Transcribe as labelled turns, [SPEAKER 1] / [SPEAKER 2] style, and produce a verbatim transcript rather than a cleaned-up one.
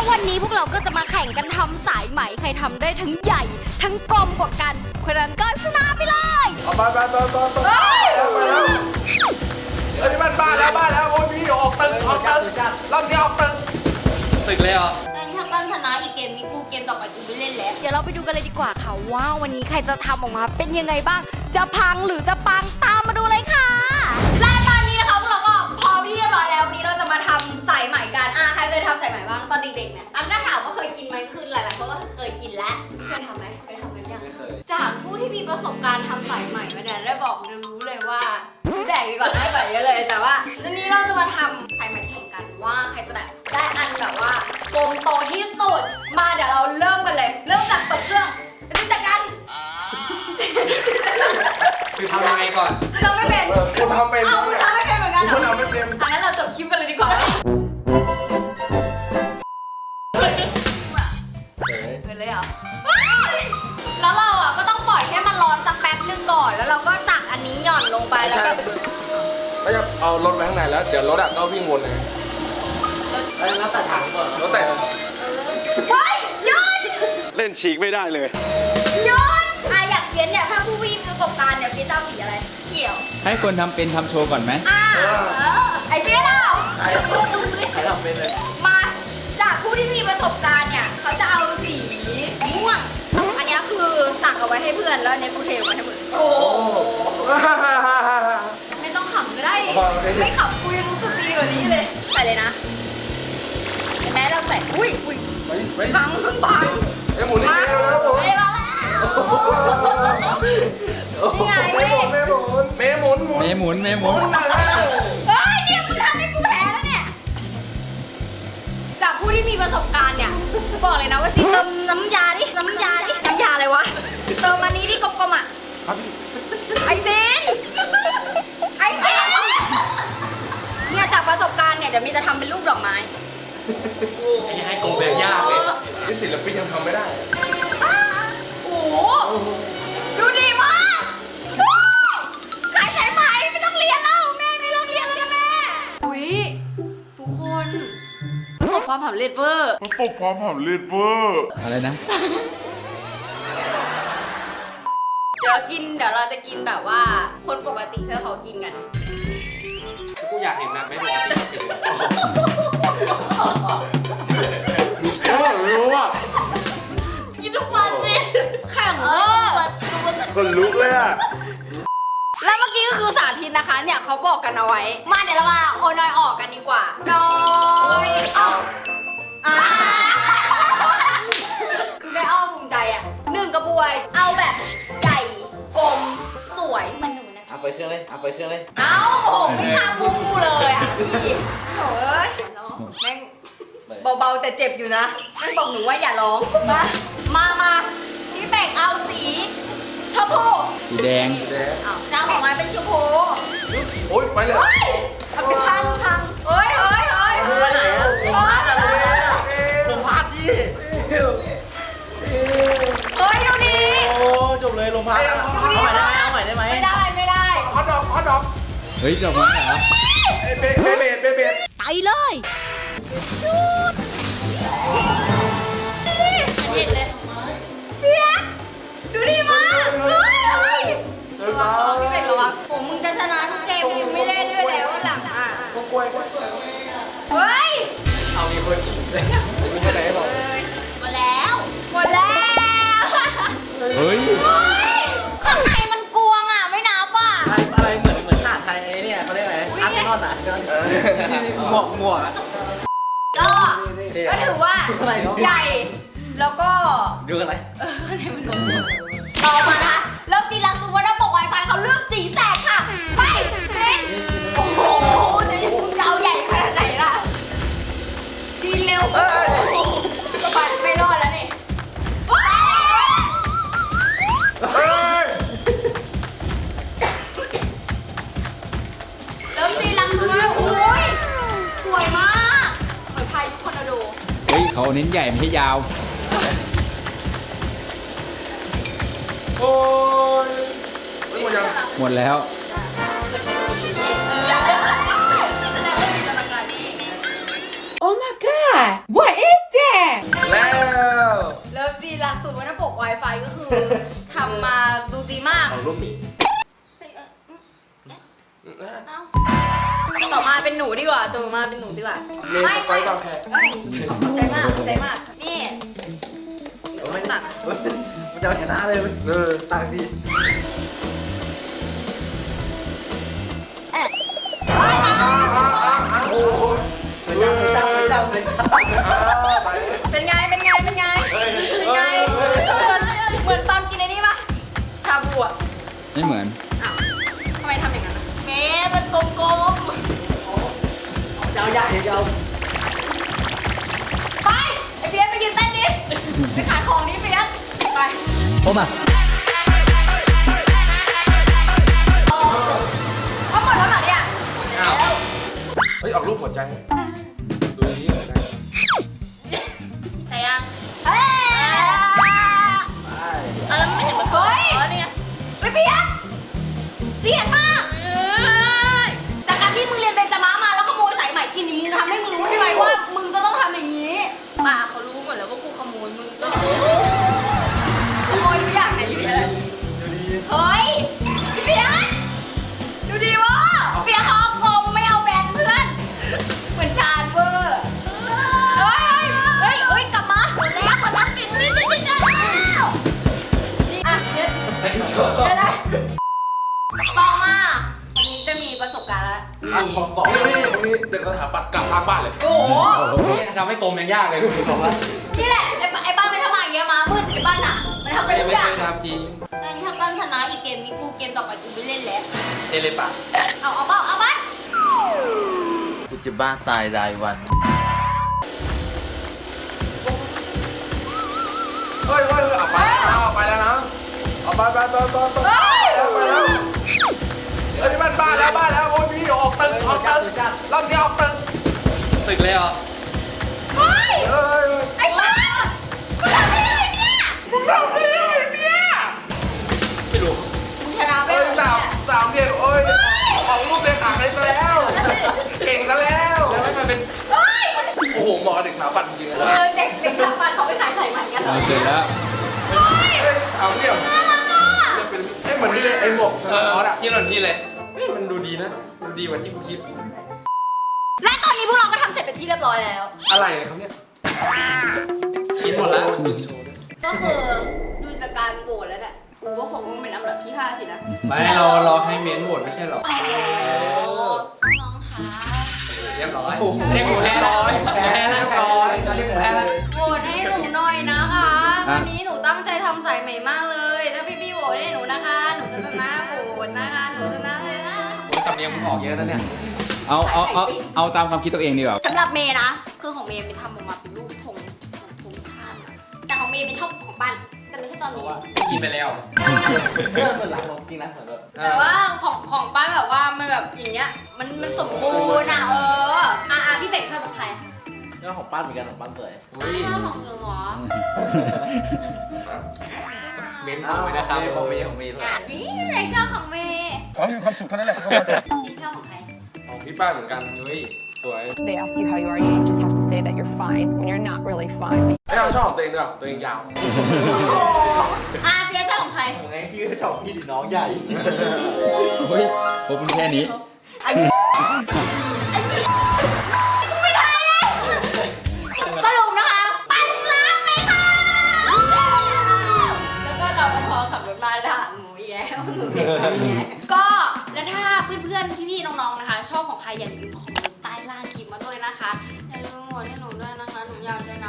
[SPEAKER 1] วันนี้พวกเราก็จะมาแข่งกันทำสายไหมใครทำได้ทั้งใหญ่ทั้งกลมกว่ากันคนนั้นก็ชนะไปเลย
[SPEAKER 2] เอาไปไปไปไปไปแล้วไปแล้วเฮ้ยมันบ้าแล้วบ้าแล้วโอ้ยพี่ออกตึกออกตึกรอบนี้ออกตึกตึกเลยเหรอ
[SPEAKER 1] ตอนนี้ถ้าต้นชนะอีกเกมนี้กูเกมต่อไปกูไม่เล่นแล้วเดี๋ยวเราไปดูกันเลยดีกว่าค่ะว่าวันนี้ใครจะทำออกมาเป็นยังไงบ้างจะพังหรือจะปังตามมาดูเลยค่ะและตอนนี้นะคะพวกเราก็พร้อมที่เรียบร้อยแล้ววันนี้เราจะมาทำสายไหมกันอ่ะใครเคยทำสายไหมบ้างตอนเด็กๆเนี่ยอันน่าถามว่าเคยกินไหมคือหลายๆคนก็เคยกินแล้วเคยทำไหมเคยทำกันยังไม่เคยจากผู้ที่มีประสบการณ์ทำสายไหมมาเนี่ยได้บอกรู้เลยว่าแดกดีกว่าได้กว่าเยอะเลยแต่ว่าวันนี้เราจะมาทำสายไหมแข่งกันว่าใครจะแบบได้อันแบบว่ากลมโตที่สุดมาเดี๋ยวเราเริ่มกันเลยเริ่มจากเปิดเครื่องไปดูจากกัน
[SPEAKER 2] คือทำยังไงก่อน
[SPEAKER 1] เราไม่เป็น
[SPEAKER 2] กูทำเป็น
[SPEAKER 1] เอาทำไม่เป็นเหมือนกันเหรอ
[SPEAKER 2] กูทำไม่เป็น
[SPEAKER 1] อันนั้นเราจบคลิปกันเลยดีกว่าเปิดเลยเหรอแล้วเราอ่ะก็ต้องปล่อยให้มันร้อนสักแป๊บนึงก่อนแล้วเราก็ตักอันนี้หย่อนลงไปแล้วก็
[SPEAKER 2] ก็จะเอารถไปข้างในแล้วเดี๋ยวรถอ่ะก็วิ่งวนเลยแล้วแต่ถังก่อนแล้วแต่
[SPEAKER 1] เฮ้ยหยุด
[SPEAKER 2] เล่นฉีกไม่ได้เลย
[SPEAKER 1] หยุดอ่ะอยากเพี้ยนเนี่ยถ้าผู้วิ่งประสบการณ์เนี่ยพี่เจ้าสีอะไรเขียว
[SPEAKER 3] ให้คนทำเป็นทำโชว์ก่อนไหม
[SPEAKER 1] อ่าเออไอ้เพี้ยนเอา
[SPEAKER 2] ใครใครทำเป็นเลย
[SPEAKER 1] มาจากผู้ที่มีประสบการณ์เนี่ยเขาจะเอาสีม่วงอันนี้คือตักเอาไว้ให้เพื่อนแล้วเนี่ยกูเทไว้ให้มึงโอ้ไม่ต้องขำก็ได้ไม่ขำกูยังรู้สึกดีกว่านี้เลยใส่เลยนะเห็นไหมเราใส่อุ้ยอุ้ยพังเพิ่งพัง
[SPEAKER 2] ไอ้หมุนนี่แล้วผม
[SPEAKER 1] ไม่มาแล้วนี่ไง
[SPEAKER 2] เมหมุนเมหมุนเมหมุน
[SPEAKER 3] เมหมุนเมหมุน
[SPEAKER 1] เฮ้ยเนี่ยมึงทำให้กูแพ้แล้วเนี่ยจากผู้ที่มีประสบการณ์เนี่ยบอกเลยนะว่าสิเติมน้ำยาดิน้ำยาดิน้ำยาอะไรวะเติมอันนี้ที่กลมๆอ่ะไอเซนไอเซนเนี่ยจากประสบการณ์เนี่ยเดี๋ยวมีจะทำเป็นรูปดอกไม้
[SPEAKER 2] ยังให้กลมแบบยากเลยนี่ศิลปินยังทำไม่ได้
[SPEAKER 1] โอ้โหดูดีมากขายสายไหมไม่ต้องเรียนแล้วแม่ไม่เลิกเรียนแล้วนะแม่อุ้ยทุกคนประสบความสำเร็จเวอร์
[SPEAKER 2] ประสบความสำเร็จเวอร์
[SPEAKER 3] อะไรนะ
[SPEAKER 1] เดี๋ยวกินเดี๋ยวเราจะกินแบบว่าคนปกติเพื่อเขากินกัน
[SPEAKER 2] กูอยากเห็นนะไม่ดูรู้อ่ะ
[SPEAKER 1] กินทุกวันสิแข่งเวอร์
[SPEAKER 2] คนลุกเลยอ่ะ
[SPEAKER 1] แล้วเมื่อกี้ก็คือสาธิตนะคะเนี่ยเขาบอกกันเอาไว้มาเดี๋ยวเรามาโอนอยออกกันดีกว่าน้อยออกอ่าคือได้อ้อภูมิใจอ่ะหนึ่งกระบวยเอาแบบใหญ่กลมสวยเหมือนหนูนะ
[SPEAKER 2] เอาไปเครื่องเลยเอาไปเครื่องเลย
[SPEAKER 1] เอาโอ้ไม่ทำมูเลยอ่ะพี่โถ่เอ้ยแม่งเบาๆแต่เจ็บอยู่นะแม่งบอกหนูว่าอย่าร้องนะมามาพี่แบ่งเอาสีชมพู
[SPEAKER 3] สีแดง
[SPEAKER 1] อ้าวจ้างออกมาเป็นชมพู
[SPEAKER 2] โอ๊ยไปเลย
[SPEAKER 1] ทำเป็นพังพังเฮ้ยเฮ้ยเฮ้ย
[SPEAKER 2] ไปไหนอ่ะผมพลาดดิ
[SPEAKER 1] เฮ้ยดูดิ
[SPEAKER 2] โอ้จบเลยลงพักเอาใหม่ได้ไหมเอาใหม่ได้ไหม
[SPEAKER 1] ไม่ได้ไม่ได้
[SPEAKER 2] ฮอตดอกฮอตดอก
[SPEAKER 3] เฮ้ยจบมาเหรอ
[SPEAKER 2] เบเบเบเบเบ
[SPEAKER 1] ไปเลยเห็นเลยเพี้ยดูดิมาเฮ้ยเฮ้ยระวังพี่เบกระวังผมมึงจะชนะทุกเกมมึงไม่เล่นด้วยแล้วหลังอ่ะ
[SPEAKER 2] กล้วยกล้วย
[SPEAKER 1] เฮ้ย
[SPEAKER 2] เอามีคนขิงเลยมีคนไหนบอก
[SPEAKER 1] หมดแล้วหมดแล้ว
[SPEAKER 3] เฮ้ย
[SPEAKER 1] ข้างในมันกวงอ่ะไม่นับอ่ะ
[SPEAKER 2] อะไรเหมือนเหมือนหาดไทยเนี่ยเขาเรียกอะไรอาร์เซนอลอ่ะหมวกหมวก
[SPEAKER 1] ก็ก็ถือว่าใหญ่แล้วก็
[SPEAKER 2] ดูอะไร
[SPEAKER 1] เออข้างในมันกลมต่อมานะเริ่มตีลังตัวว่าระบบ Wi-Fi เขาเลือกสีแสกค่ะไปเฮ้ยโอ้โหจะมึงจะเอาใหญ่ขนาดไหนล่ะดีเร็วสบายไม่รอดแล้วนี่เริ่มตีลังตัวโอ้ยสวยมากเหมือนพายุทอร์นาโด
[SPEAKER 3] เฮ้ยเขาเน้นใหญ่ไม่ใช่ยาว
[SPEAKER 2] โอ้ย
[SPEAKER 3] หมดแล้ว
[SPEAKER 1] Oh my god what is that Wi-Fi ก็คือทำมาดูดีมาก
[SPEAKER 2] ของรูปหมี
[SPEAKER 1] เฮ้ยเอ้ยอืมเอ้าต่อมาเป็นหนูดีกว่าต่อมาเป็นหนูดีกว่า
[SPEAKER 2] เลนส์ไฟบางแพร
[SPEAKER 1] เอ้ยขอบใจมากขอบใจมากนี่เดี๋ยวมันตัด
[SPEAKER 4] มันจะเอาชนะเลยมัน
[SPEAKER 2] เออ
[SPEAKER 4] ต่างดี
[SPEAKER 2] โอ้โห
[SPEAKER 4] เหมือนจับเหมือนจับเหมือนจับเหมือนจับ
[SPEAKER 1] เป็นไงเป็นไงเป็นไงเป็นไงเหมือนเหมือนตอนกินไอ้นี่ปะชาบูอ่ะ
[SPEAKER 3] ไม่เหมือน
[SPEAKER 1] อ้าวทำไมทำอย่างนั้นอะเมย์มันกลมๆ
[SPEAKER 4] จะเอาใหญ่จะเอา
[SPEAKER 1] ไปไอเฟียสไปยืนเต้นดิไปขายของนี่เฟียสไป
[SPEAKER 4] โอ้มา
[SPEAKER 1] เขาหมดแล้วเหรอเนี่ย
[SPEAKER 2] อ้าวเฮ้ยออกรูปหัวใจดูนี้หัวใจ
[SPEAKER 1] ใช่ยังเฮ้ยแล้วไม่เห็นมันเฮ้ยเนี่ยไปเฟียสเสียงมากจากการที่มึงเรียนเบญจมามาแล้วขโมยสายไหมกินนี่มึงทำให้มึงรู้ใช่ไหมว่ามึงก็ต้องทำอย่างนี้ป่าเขารู้หมดแล้วว่ากูขโมยมึงก็ขโมยทุกอย่างไหนอยู่เลยเฮ้ยพี่เฟียสดูดีวะเฟียสเขาเอากลมไม่เอาแบนเพื่อนเหมือนชาญเวอร์เฮ้ยเฮ้ยเฮ้ยกลับมาแล้วคนรักปิดนี่นี่นี่นี่นี่อ่ะเดี๋ยวเดี๋ยวได้ต่อมาวันนี้จะมีประสบการณ์แล้ว
[SPEAKER 2] ผมบอกนี่นี่ตรงนี้เด็กสถาปัตย์กลับทางบ้านเลย
[SPEAKER 1] โอ้โห
[SPEAKER 2] ทำให้กลมยังยากเลยคุณบอกว่า
[SPEAKER 1] นี่แหละไอ้ไอ้บ้านไม่ทำอย่างเงี้ยมามืดไอ้บ้านอ่ะมันทำไปทุกอย่าง
[SPEAKER 2] ทำจริง
[SPEAKER 1] ตอนนี้ถ้าบ้านชนะอีกเกมนี้กูเกมต่อไปกูไม่เล่นแล้ว
[SPEAKER 2] เทเลปะ
[SPEAKER 1] เอาเอาเบ้าเอาบ้าน
[SPEAKER 4] กูจะบ้าตายรายวัน
[SPEAKER 2] เฮ้ยเฮ้ยเอาไปแล้วเอาไปแล้วนะเอาไปไปไปไปไป
[SPEAKER 1] เฮ้ย
[SPEAKER 2] ไปแล้วเฮ้ยนี่มันบ้านแล้วบ้านแล้วโอ้ยพี่ออกตึกออกตึกรอบนี้ออกตึก
[SPEAKER 3] ตึกเลยเหรอ
[SPEAKER 1] เฮ้ย
[SPEAKER 2] เฮ้ย
[SPEAKER 1] ไอ้บ้ามึงทำได้ไงเนี่ย
[SPEAKER 2] มึงทำได้ยังไงเนี่ยไม่รู้
[SPEAKER 1] มึงชนะไป
[SPEAKER 2] เฮ้ย
[SPEAKER 1] เลย
[SPEAKER 2] สามสามเรียนโอ้ยออกรูปเด็กขาดเลยซะแล้ว เก่งซะแล้วแล้วมันเป็น
[SPEAKER 1] เฮ้ย
[SPEAKER 2] โอ้โหหมอเด็กขาปัดจริงๆเลย
[SPEAKER 1] เออเด็กเด็กสถาปัตย์เขาไปขายไข่ใหม่กันเหรอ
[SPEAKER 3] เอาเสร็จแล้ว
[SPEAKER 1] เฮ้ย
[SPEAKER 2] เฮ้ยถามเดี่ยว
[SPEAKER 1] น่ารักอ่ะ
[SPEAKER 2] จะเป็นไอ้เหมือนที่ไอ้หมวกส
[SPEAKER 5] เอ
[SPEAKER 2] นาม
[SPEAKER 5] อ
[SPEAKER 2] อสอะ
[SPEAKER 5] ที่หล่นพี่เลยเฮ้ยมันดูดีนะ ดูดีกว่าที่กูคิด
[SPEAKER 1] และตอนนี้พวกเราก็ทำเสร็จเป็นที่เรียบร้อยแล้ว
[SPEAKER 2] อะไรเนี่ยเขาเนี่ย
[SPEAKER 5] กินหมดแล้ว
[SPEAKER 2] จุดโชว์ด้วย
[SPEAKER 1] ก็คือดูจากการโหวตแล้วเนี่ยกูก็คงเป็นอันดับที่ห้าสินะ
[SPEAKER 5] ไม่เรารอให้เมนโหวตไม่ใช่หรอ
[SPEAKER 1] โอ้โหน้องๆคะ
[SPEAKER 5] เรียบร้อยเรียกกูแพ้ร้อยแพ้เรียบร้อยตอนนี้กูแพ้แล้ว
[SPEAKER 1] โหวตให้หนูหน่อยนะคะ วันนี้หนูตั้งใจทำสายใหม่มากเลย ถ้าพี่ๆโหวตให้หนูนะคะ หนูจะชนะโหวตนะคะ หนูชนะเลยนะ
[SPEAKER 5] โอ้ยสำเนียงมึงออกเยอะนะเนี่ย
[SPEAKER 3] เอาเอาเอาเอาตามความคิดตัวเองดีกว่า
[SPEAKER 1] สำหรับเมย์นะ คือของเมย์ไปทำออกมาเป็นรูปธงเหมือนธงชาติอะแต่ของเมย์ไม่ชอบของปั้นแต่ไม่ใช่ตอนนี้
[SPEAKER 5] กินไปแล้ว
[SPEAKER 4] เรื่องส่วนหลังของจริงนะสำหรับ
[SPEAKER 1] แต่ว่าของของปั้นแบบว่ามันแบบอย่างเงี้ย มันมันสมบูรณ์อ่ะเออ อ่ะอ่ะพี่เบกชอบของใคร
[SPEAKER 4] เรื่องของปั้นเหมือนกันของปั้นสวย
[SPEAKER 5] อุ้ย
[SPEAKER 1] ชอบของหนูเหรอ
[SPEAKER 5] เมนของไว้นะครับ
[SPEAKER 4] ของมีของมีด้วย
[SPEAKER 1] นี่พี่เบกชอบของเมย์
[SPEAKER 2] ขอให้มีความสุขเท่านั้นแหละ
[SPEAKER 1] นี่ชอบของใคร
[SPEAKER 2] ของพี่ป้าเหมือนกันเฮ้ยสวย
[SPEAKER 6] They ask you how you are, you just have to say that you're fine when you're not really fine.
[SPEAKER 2] ไม่เอาชอบของตัวเองด้วยตัวเองยาว
[SPEAKER 1] อ่ะเปียชอบของใคร
[SPEAKER 4] ของไงพี่ก็ชอบพี่ดิน้องใหญ่
[SPEAKER 3] เฮ้ยผมแค่นี้
[SPEAKER 1] ไอ้ไอ้กูไม่ได้เลยสรุปนะคะปันล้างไปค่ะแล้วก็เราก็พอขับรถมาด่าหนูแย่หนูเด็กแบบแย่ก็แล้วถ้าเพื่อนๆพี่ๆน้องๆนะคะ ชอบของใครอย่าลืมคอมเมนต์ใต้ล่างคลิปมาด้วยนะคะอย่าลืมโหวตให้หนูด้วยนะคะหนูอยากช